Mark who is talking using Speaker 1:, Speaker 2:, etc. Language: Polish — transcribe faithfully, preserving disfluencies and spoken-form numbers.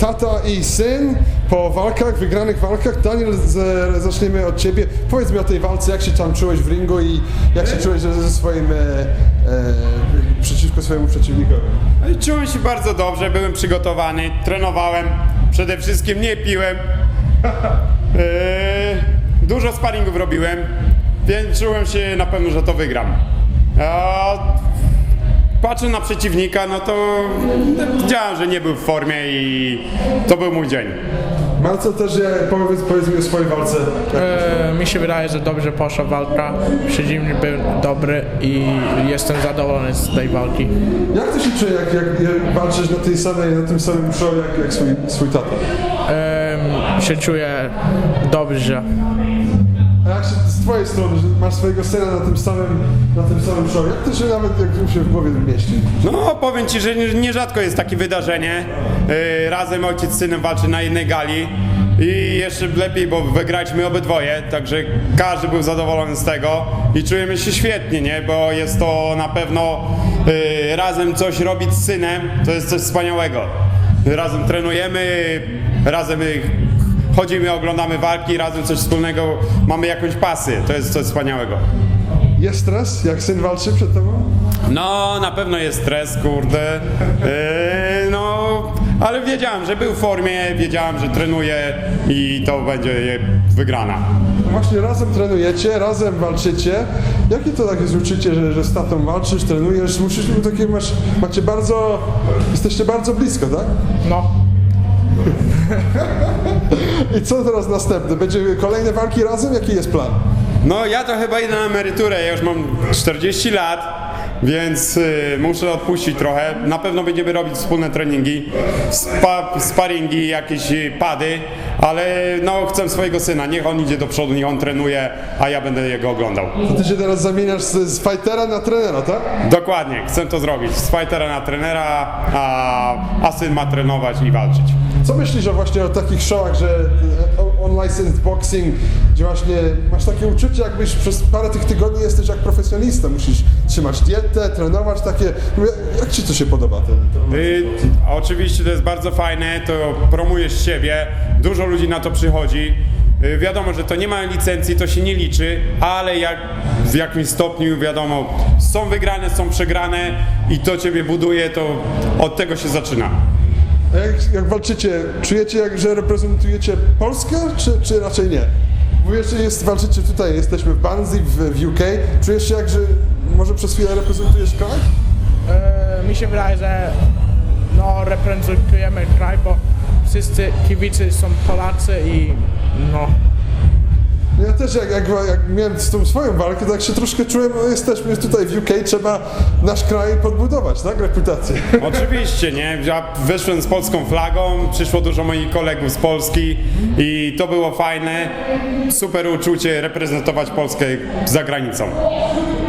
Speaker 1: tata i syn po walkach, wygranych walkach. Daniel, z, zaczniemy od ciebie. Powiedz mi o tej walce, jak się tam czułeś w ringu i jak się czułeś ze swoim, e, e, przeciwko swojemu przeciwnikowi?
Speaker 2: Czułem się bardzo dobrze, byłem przygotowany, trenowałem, przede wszystkim nie piłem. Yy, dużo sparingów robiłem, więc czułem się na pewno, że to wygram. A patrzę na przeciwnika, no to widziałem, że nie był w formie i to był mój dzień.
Speaker 1: Marcel, też ja, powiedz, powiedz mi o swojej walce.
Speaker 3: E, mi się wydaje, że dobrze poszła walka, przeciwnik był dobry i jestem zadowolony z tej walki.
Speaker 1: Jak to się czuje, jak, jak, jak walczysz na tej samej, na tym samym show jak, jak swój, swój tata?
Speaker 3: E, się czuję dobrze.
Speaker 1: A jak się z twojej strony, że masz swojego syna na tym samym, na tym samym show, jak to się nawet jak się w głowie mieści?
Speaker 2: No powiem ci, że nierzadko jest takie wydarzenie. Yy, razem ojciec z synem walczy na jednej gali i jeszcze lepiej, bo wygraliśmy obydwoje, także każdy był zadowolony z tego i czujemy się świetnie, nie? Bo jest to na pewno yy, razem coś robić z synem, to jest coś wspaniałego. Razem trenujemy, razem chodzimy, oglądamy walki, razem coś wspólnego, mamy jakąś pasję, to jest coś wspaniałego.
Speaker 1: Jest stres, jak syn walczy przed tobą?
Speaker 2: No, na pewno jest stres, kurde, yy, no, ale wiedziałem, że był w formie, wiedziałem, że trenuje i to będzie wygrana.
Speaker 1: Właśnie razem trenujecie, razem walczycie. Jakie to takie jest uczucie, że, że z tatą walczysz, trenujesz, musisz, takie masz, macie bardzo, jesteście bardzo blisko, tak?
Speaker 3: No.
Speaker 1: I co teraz następne? Będzie kolejne walki razem? Jaki jest plan?
Speaker 2: No, ja to chyba idę na emeryturę, ja już mam czterdzieści lat, więc y, muszę odpuścić trochę. Na pewno będziemy robić wspólne treningi, spa, sparingi, jakieś y, pady, ale no chcę swojego syna, niech on idzie do przodu, niech on trenuje, a ja będę jego oglądał.
Speaker 1: To ty się teraz zamieniasz z, z fightera na trenera, tak?
Speaker 2: Dokładnie, chcę to zrobić, z fightera na trenera, a, a syn ma trenować i walczyć.
Speaker 1: Co myślisz o właśnie o takich showach, że e, unlicensed boxing, gdzie właśnie masz takie uczucie, jakbyś przez parę tych tygodni jesteś jak profesjonalista, musisz trzymać dietę, trenować takie, jak ci to się podoba? Ten, ten
Speaker 2: Y, oczywiście to jest bardzo fajne, to promujesz siebie, dużo ludzi na to przychodzi. Y, wiadomo, że to nie ma licencji, to się nie liczy, ale jak, w jakimś stopniu wiadomo, są wygrane, są przegrane i to ciebie buduje, to od tego się zaczyna.
Speaker 1: A jak, jak walczycie, czujecie, jak, że reprezentujecie Polskę, czy, czy raczej nie? Bo jeszcze jest, walczycie tutaj, jesteśmy w Barnsley, w, w U K. Czujesz się jak, że może przez chwilę reprezentujesz kraj?
Speaker 3: E, mi się wydaje, że no, reprezentujemy kraj, bo wszyscy kibice są Polacy i no.
Speaker 1: Ja też jak, jak, jak miałem z tą swoją walkę, tak się troszkę czułem, no jesteśmy tutaj w U K, trzeba nasz kraj podbudować, tak? Reputację.
Speaker 2: Oczywiście, nie? Ja wyszłem z polską flagą, przyszło dużo moich kolegów z Polski i to było fajne, super uczucie reprezentować Polskę za granicą.